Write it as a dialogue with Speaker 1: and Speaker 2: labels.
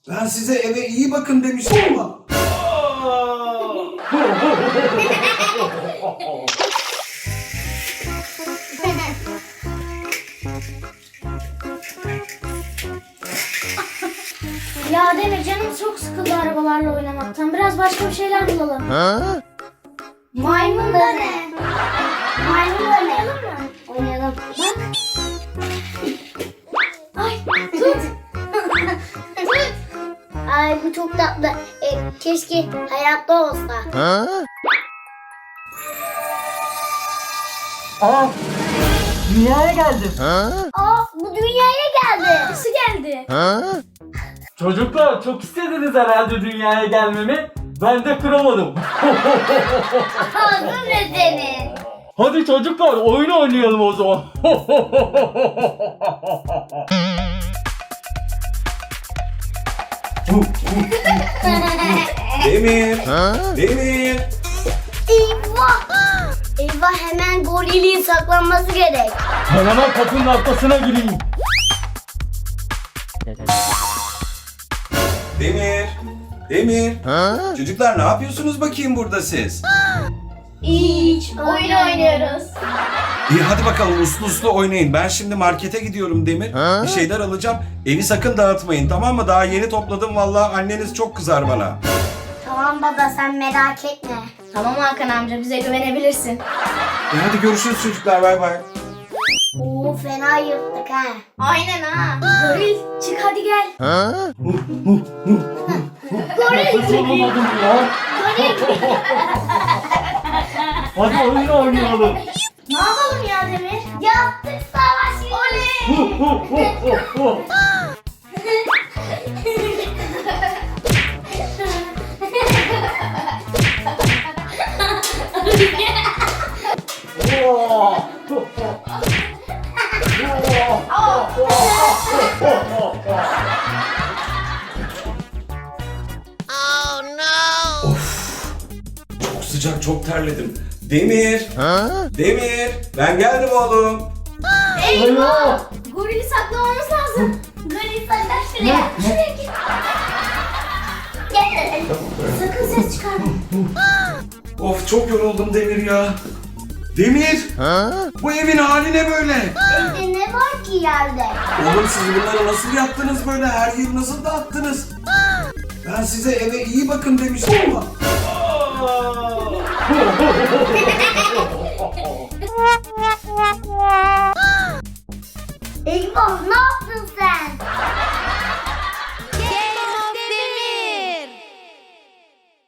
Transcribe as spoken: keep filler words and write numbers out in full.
Speaker 1: Ben size eve iyi bakın demiştim ama.
Speaker 2: Ya Demir, canım çok sıkıldı arabalarla oynamaktan. Biraz başka bir şeyler bulalım.
Speaker 3: Ha?
Speaker 2: Maymun da ne? Maymun oynayalım mı? Oynayalım. Bak. Ay tut. Tut. Ay bu çok tatlı. E, keşke hayatta olsa.
Speaker 3: Ha?
Speaker 4: Aa, dünyaya geldim.
Speaker 3: Ha?
Speaker 2: Aa, bu dünyaya geldi. Nasıl geldi?
Speaker 3: Ha?
Speaker 4: Çocuklar çok istediniz herhalde dünyaya gelmemi. Ben de kıramadım.
Speaker 2: Ağzın ne senin?
Speaker 4: Hadi çocuklar oyun oynayalım o zaman.
Speaker 1: Demir,
Speaker 3: Ha?
Speaker 1: Demir.
Speaker 2: Eyvah. Eyvah, hemen gorilin saklanması gerek.
Speaker 4: Ben hemen kapının arkasına gireyim.
Speaker 1: Demir, Demir.
Speaker 3: Ha?
Speaker 1: Çocuklar ne yapıyorsunuz bakayım burada siz?
Speaker 2: Hiç. Oyun oynuyoruz.
Speaker 1: İyi hadi bakalım uslu uslu oynayın. Ben şimdi markete gidiyorum Demir.
Speaker 3: Ha?
Speaker 1: Bir şeyler alacağım. Evi sakın dağıtmayın, tamam mı? Daha yeni topladım vallahi, anneniz çok kızar bana.
Speaker 2: Tamam baba, sen merak etme. Tamam Hakan amca, bize güvenebilirsin.
Speaker 1: E hadi görüşürüz çocuklar, bay bay.
Speaker 2: Oo, fena yırttık ha. Aynen ha. Goril çık hadi gel.
Speaker 3: Ha?
Speaker 4: Nefes alamadım ya. Hadi oyun oynayalım.
Speaker 2: Ne yapalım ya Demir? Yaptık savaş. Oley.
Speaker 1: Çok sıcak, çok terledim. Demir,
Speaker 3: Ha?
Speaker 1: Demir. Ben geldim oğlum.
Speaker 2: Eyvah! Gorili saklamamız lazım. Goril saklan şuraya. Şuraya git. Gel. Sakın ses çıkarma.
Speaker 1: Of çok yoruldum Demir ya. Demir,
Speaker 3: Ha?
Speaker 1: bu evin hali ne böyle?
Speaker 2: Evde ne var ki yerde?
Speaker 1: Oğlum siz bunları nasıl yaptınız böyle? Her yeri nasıl dağıttınız? Ben size eve iyi bakın demiştim ama.
Speaker 2: Eyvah, ne yaptın sen?